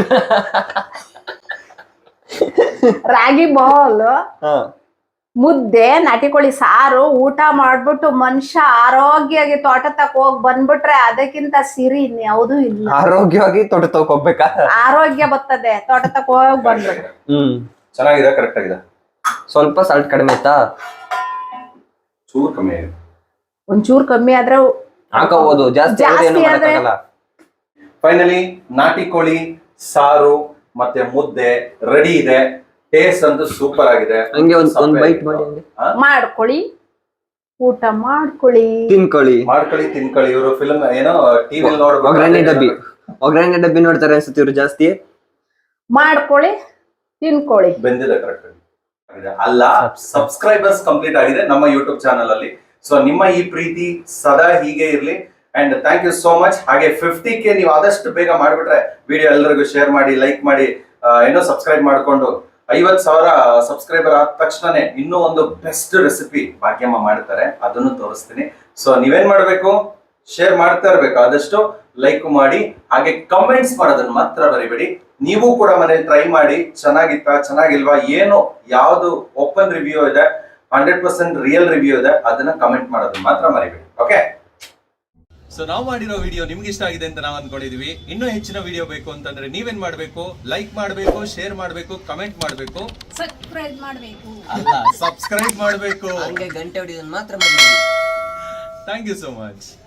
S3: ರಾಗಿ ಬಾಲ್,
S1: ಹ
S3: ಮುದ್ದೆ, ನಾಟಿ ಕೋಳಿ ಸಾರು ಊಟ ಮಾಡ್ಬಿಟ್ಟು ಮನುಷ್ಯ ಆರೋಗ್ಯವಾಗಿ ತೋಟ ತಕ ಹೋಗ್ ಬಂದ್ಬಿಟ್ರೆ ಅದಕ್ಕಿಂತ ಸಿರಿ ಇನ್ಯಾವುದೂ ಇಲ್ಲ.
S1: ಆರೋಗ್ಯವಾಗಿ ತೋಟ ತಗೋಕ್ ಹೋಗ್ಬೇಕಾ?
S3: ಆರೋಗ್ಯ ಬರ್ತದೆ ತೋಟ ತಕ ಹೋಗ್ ಬಂದ್ಬಿಟ್ರೆ.
S1: ಹ್ಮ್,
S2: ಚೆನ್ನಾಗಿದೆ, ಕರೆಕ್ಟ್ ಆಗಿದೆ.
S1: ಸ್ವಲ್ಪ ಸಾಲ್ಟ್ ಕಡಿಮೆ ಆಯ್ತಾ?
S2: ಚೂರು ಕಮ್ಮಿ ಆಗಿದೆ.
S3: ಒಂಚೂರು ಕಮ್ಮಿ ಆದ್ರೆ
S1: ಹಾಕೋಬಹುದು, ಜಾಸ್ತಿ ಆದ್ರೆ ಏನು
S3: ಜಾಸ್ತಿ ಆದ್ರೆ-
S1: ಮಾಡಕ್ಕಾಗಲ್ಲ.
S2: ಫೈನಲಿ ನಾಟಿ ಕೋಳಿ ಸಾರು ಮತ್ತೆ ಮುದ್ದೆ ರೆಡಿ ಇದೆ. ಟೇಸ್ಟ್ ಅಂತೂ ಸೂಪರ್ ಆಗಿದೆ.
S1: ಹಂಗೆ ಒಂದ್ ಒಂದ್ ಬೈಟ್ ಮಾಡಿ ಹಂಗೆ
S2: ಹಾ?
S3: ಮಾಡ್ಕೊಳ್ಳಿ, ಊಟ ಮಾಡ್ಕೊಳ್ಳಿ.
S1: ತಿನ್ಕೊಳ್ಳಿ.
S2: ಮಾಡ್ಕೊಳ್ಳಿ, ತಿನ್ಕೊಳ್ಳಿ. ಇವರು ಫಿಲ್ಮ್ ಏನೋ ಟಿವಿ
S1: ಒಗ್ಗರಣೆ ಡಬ್ಬಿ
S2: ನೋಡ್ಬೇಕು.
S1: ಒಗ್ಗರಣೆ ಡಬ್ಬಿ ನೋಡ್ತಾರೆ ಅನ್ಸುತ್ತೆ ಇವ್ರು ಜಾಸ್ತಿ.
S3: ಮಾಡ್ಕೊಳ್ಳಿ, ತಿನ್ಕೊಳ್ಳಿ.
S2: ಬೆಂದಿದೆ ಕರೆಕ್ಟ್ ಆಗಿದೆ. ಅಲ್ಲ, ಸಬ್ಸ್ಕ್ರೈಬರ್ಸ್ ಕಂಪ್ಲೀಟ್ ಆಗಿದೆ ನಮ್ಮ ಯೂಟ್ಯೂಬ್ ಚಾನಲ್ ಅಲ್ಲಿ. ಸೊ ನಿಮ್ಮ ಈ ಪ್ರೀತಿ ಸದಾ ಹೀಗೆ ಇರ್ಲಿ. And thank you so much. ಹಾಗೆ ಫಿಫ್ಟಿ ಕೆ ನೀವು ಆದಷ್ಟು ಬೇಗ ಮಾಡ್ಬಿಟ್ರೆ ವಿಡಿಯೋ ಎಲ್ಲರಿಗೂ ಶೇರ್ ಮಾಡಿ, ಲೈಕ್ ಮಾಡಿ, ಏನೋ ಸಬ್ಸ್ಕ್ರೈಬ್ ಮಾಡ್ಕೊಂಡು ಐವತ್ ಸಾವಿರ ಸಬ್ಸ್ಕ್ರೈಬರ್ ಆದ ತಕ್ಷಣನೇ ಇನ್ನೂ ಒಂದು ಬೆಸ್ಟ್ ರೆಸಿಪಿ ಭಾಗ್ಯಮ್ಮ ಮಾಡ್ತಾರೆ, ಅದನ್ನು ತೋರಿಸ್ತೀನಿ. ಸೊ ನೀವೇನ್ ಮಾಡ್ಬೇಕು, ಶೇರ್ ಮಾಡ್ತಾ ಇರ್ಬೇಕು, ಆದಷ್ಟು ಲೈಕ್ ಮಾಡಿ, ಹಾಗೆ ಕಮೆಂಟ್ಸ್ ಮಾಡೋದನ್ನ ಮಾತ್ರ ಬರಿಬೇಡಿ. ನೀವು ಕೂಡ ಮನೇಲಿ ಟ್ರೈ ಮಾಡಿ, ಚೆನ್ನಾಗಿತ್ತಾ ಚೆನ್ನಾಗಿಲ್ವಾ, ಏನು ಯಾವ್ದು ಓಪನ್ ರಿವ್ಯೂ ಇದೆ, ಹಂಡ್ರೆಡ್ ಪರ್ಸೆಂಟ್ ರಿಯಲ್ ರಿವ್ಯೂ ಇದೆ, ಅದನ್ನ ಕಮೆಂಟ್ ಮಾಡೋದನ್ನ ಮಾತ್ರ ಮರಿಬೇಡಿ. ಓಕೆ, ಸೊ ನಾವು ಮಾಡಿರೋ ವಿಡಿಯೋ ನಿಮ್ಗೆ ಇಷ್ಟ ಆಗಿದೆ ಅಂತ ನಾವು ಅನ್ಕೊಂಡಿದೀವಿ. ಇನ್ನೂ ಹೆಚ್ಚಿನ ವಿಡಿಯೋ ಬೇಕು ಅಂತಂದ್ರೆ ನೀವೇನ್ ಮಾಡ್ಬೇಕು? ಲೈಕ್ ಮಾಡ್ಬೇಕು, ಶೇರ್ ಮಾಡ್ಬೇಕು, ಕಮೆಂಟ್ ಮಾಡ್ಬೇಕು,
S3: ಸಬ್ಸ್ಕ್ರೈಬ್ ಮಾಡ್ಬೇಕು.
S2: ಅಲ್ಲ ಸಬ್ಸ್ಕ್ರೈಬ್ ಮಾಡ್ಬೇಕು,
S1: ಹಂಗೆ ಗಂಟೆ ಹೊಡಿಯೋದನ್ನ ಮಾತ್ರ ಮಾಡಿ.
S2: Thank you so much.